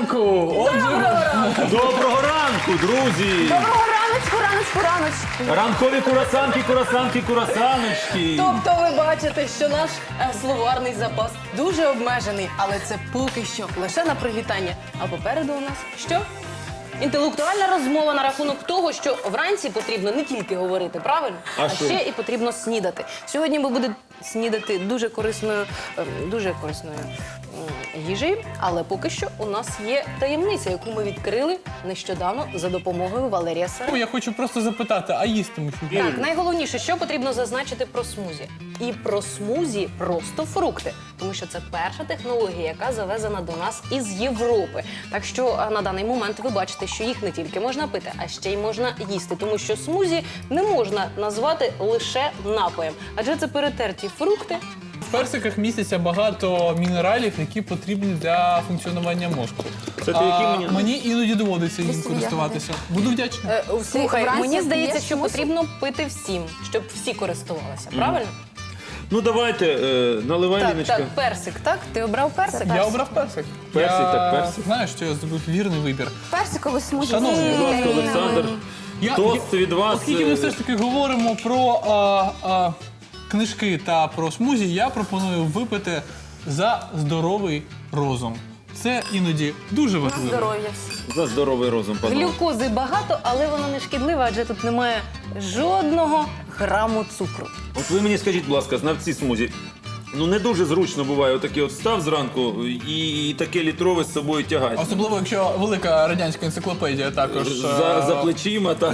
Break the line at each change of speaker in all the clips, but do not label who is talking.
ранку!
Доброго ранку, друзі!
Доброго раночку.
Ранкові курасаночки.
Тобто ви бачите, що наш словарний запас дуже обмежений, але це поки що лише на привітання. А попереду у нас що? Інтелектуальна розмова на рахунок того, що вранці потрібно не тільки говорити, правильно?
А що?
Ще і потрібно снідати. Сьогодні ми будемо снідати дуже корисною їжею, але поки що у нас є таємниця, яку ми відкрили нещодавно за допомогою Валерія Сара.
Я хочу просто запитати, а їсти ми що?
Так, найголовніше, що потрібно зазначити про смузі. І про смузі просто фрукти, тому що це перша технологія, яка завезена до нас із Європи. Так що на даний момент ви бачите, що їх не тільки можна пити, а ще й можна їсти, тому що смузі не можна назвати лише напоєм, адже це перетерті фрукти.
В персиках містяться багато мінералів, які потрібні для функціонування мозку.
Це ти які мені?
Мені іноді доводиться їм користуватися. Буду вдячний.
Слухай,
вранці
мені здається,
п'єш
що
смузі?
потрібно пити всім, щоб всі користувалися, правильно?
Ну давайте, наливай,
Так,
Ліночка.
так, персик, так? Ти обрав персик?
Я обрав персик.
Персик,
Я
так, персик.
Знаю, що я зробив вірний вибір.
Персиковий смузі.
Шановні,
Будь ласка, Олександр. Тост від вас.
Оскільки ми все ж таки говоримо про книжки та про смузі, я пропоную випити за здоровий розум. Це іноді дуже важливо.
Здоров'я.
За здоровий розум, панове.
Глюкози багато, але вона не шкідлива, адже тут немає жодного граму цукру.
От ви мені скажіть, будь ласка, знавці смузі. Ну не дуже зручно буває отакий от встав зранку і таке літрове з собою тягати.
Особливо, якщо велика радянська енциклопедія також.
За плечима, так,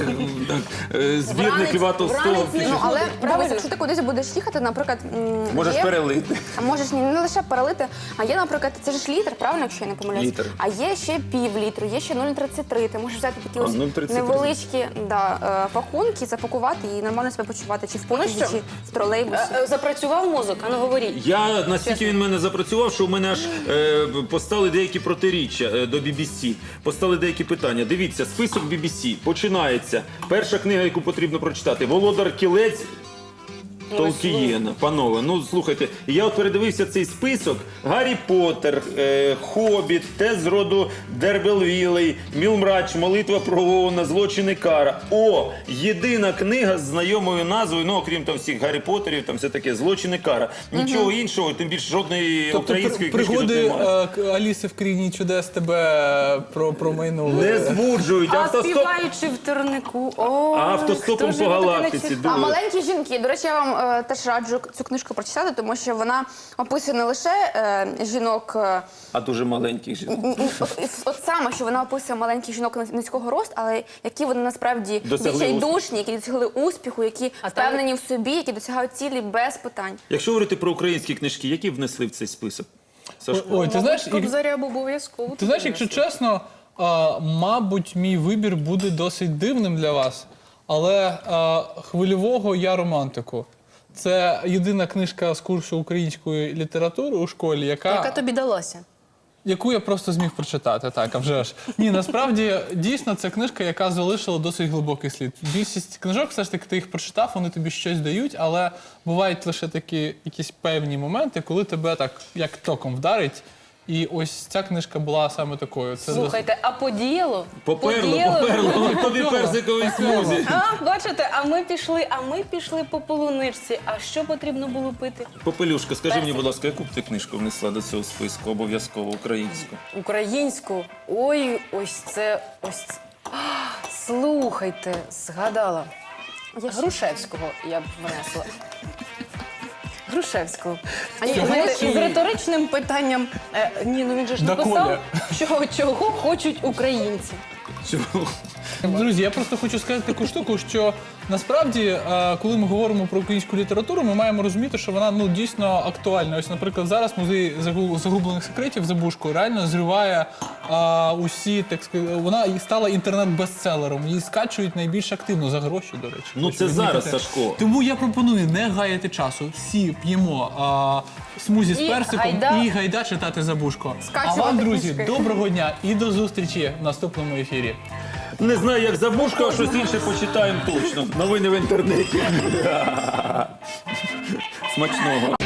збірник Льва Толстого.
вранець не
Ну, але
Правильно.
дивись, якщо ти кудись будеш їхати, наприклад,
Можеш
є-
перелити.
А можеш не лише перелити, а є, наприклад, це ж літр, правильно, якщо я не помиляюсь?
Літр.
А є ще пів літру, є ще 0,33. Ти можеш взяти такі ось
0,33.
невеличкі пакунки, запакувати і нормально себе почувати, чи в потязі,
що?
чи в тролейбусі.
Запрацював мозок, а ну говоріть.
Я настільки він в мене запрацював, що в мене аж постали деякі протиріччя до BBC. Постали деякі питання. Дивіться, список BBC починається. Перша книга, яку потрібно прочитати. Володар Кілець Толкієна. Панове, ну слухайте, я от передивився цей список. Гаррі Поттер, Хобіт, Те з роду Дербелвілей, Мілмрач, Молитва про Оуена, Злочин і кара. О, єдина книга з знайомою назвою, ну окрім там всіх Гаррі Поттерів, там все таке Злочин і кара. Нічого іншого, тим більше жодної
Тобто
української книжки тут
пригоди
немає.
Аліси в країні чудес тебе промайнули.
Не збуджують.
А співаючи в турнику,
Автостопом по галактиці.
А маленькі жінки, до речі, я вам теж раджу цю книжку прочитати, тому що вона описує не лише жінок,
А дуже маленьких жінок.
от саме, що вона описує маленьких жінок низького росту, але які вони насправді
Досягли
відчайдушні, які досягли успіху, які
А там-
впевнені в собі, які досягають цілі без питань.
Якщо говорити про українські книжки, які внесли в цей список? Сашко?
Ой, ти знаєш,
Кобзаря б обов'язково.
Ти знаєш, якщо чесно, мабуть, мій вибір буде досить дивним для вас, але Хвильового я романтику. Це єдина книжка з курсу української літератури у школі,
Яка тобі далася?
яку я просто зміг прочитати, так, а вже ж. Ні, насправді, дійсно, це книжка, яка залишила досить глибокий слід. Більшість книжок, все ж таки, ти їх прочитав, вони тобі щось дають, але бувають лише такі якісь певні моменти, коли тебе так, як током вдарить. І ось ця книжка була саме такою. Це
Слухайте, а подіяло?
Поперло. Тобі персиковий смузі.
А, бачите, а ми пішли по полуничці. А що потрібно було пити?
Попелюшка, скажи мені, будь ласка, яку б ти книжку внесла до цього списку, обов'язково українську?
Українську. Ой, ось це. Слухайте, згадала. Грушевського я б внесла. Грушевського. А ні, знаєте, з риторичним питанням. Ні, ну він же ж написав, чого хочуть українці.
Чого?
Друзі, я просто хочу сказати таку штуку, що насправді, коли ми говоримо про українську літературу, ми маємо розуміти, що вона дійсно актуальна. Ось, наприклад, зараз музей загублених секретів Забушко реально зриває усі, так сказати, вона стала інтернет-бестселером. Її скачують найбільш активно за гроші, до речі.
Ну
Хочу
це зараз,
відмітити.
Сашко.
Тому я пропоную не гаяти часу. Всі п'ємо смузі з
І
персиком
гайда.
і гайда читати Забушко. А
Скачувати
вам, друзі,
книжки.
доброго дня і до зустрічі в наступному ефірі.
Не знаю, як Забушко, а щось інше почитаємо точно. Новини в інтернеті. Смачного.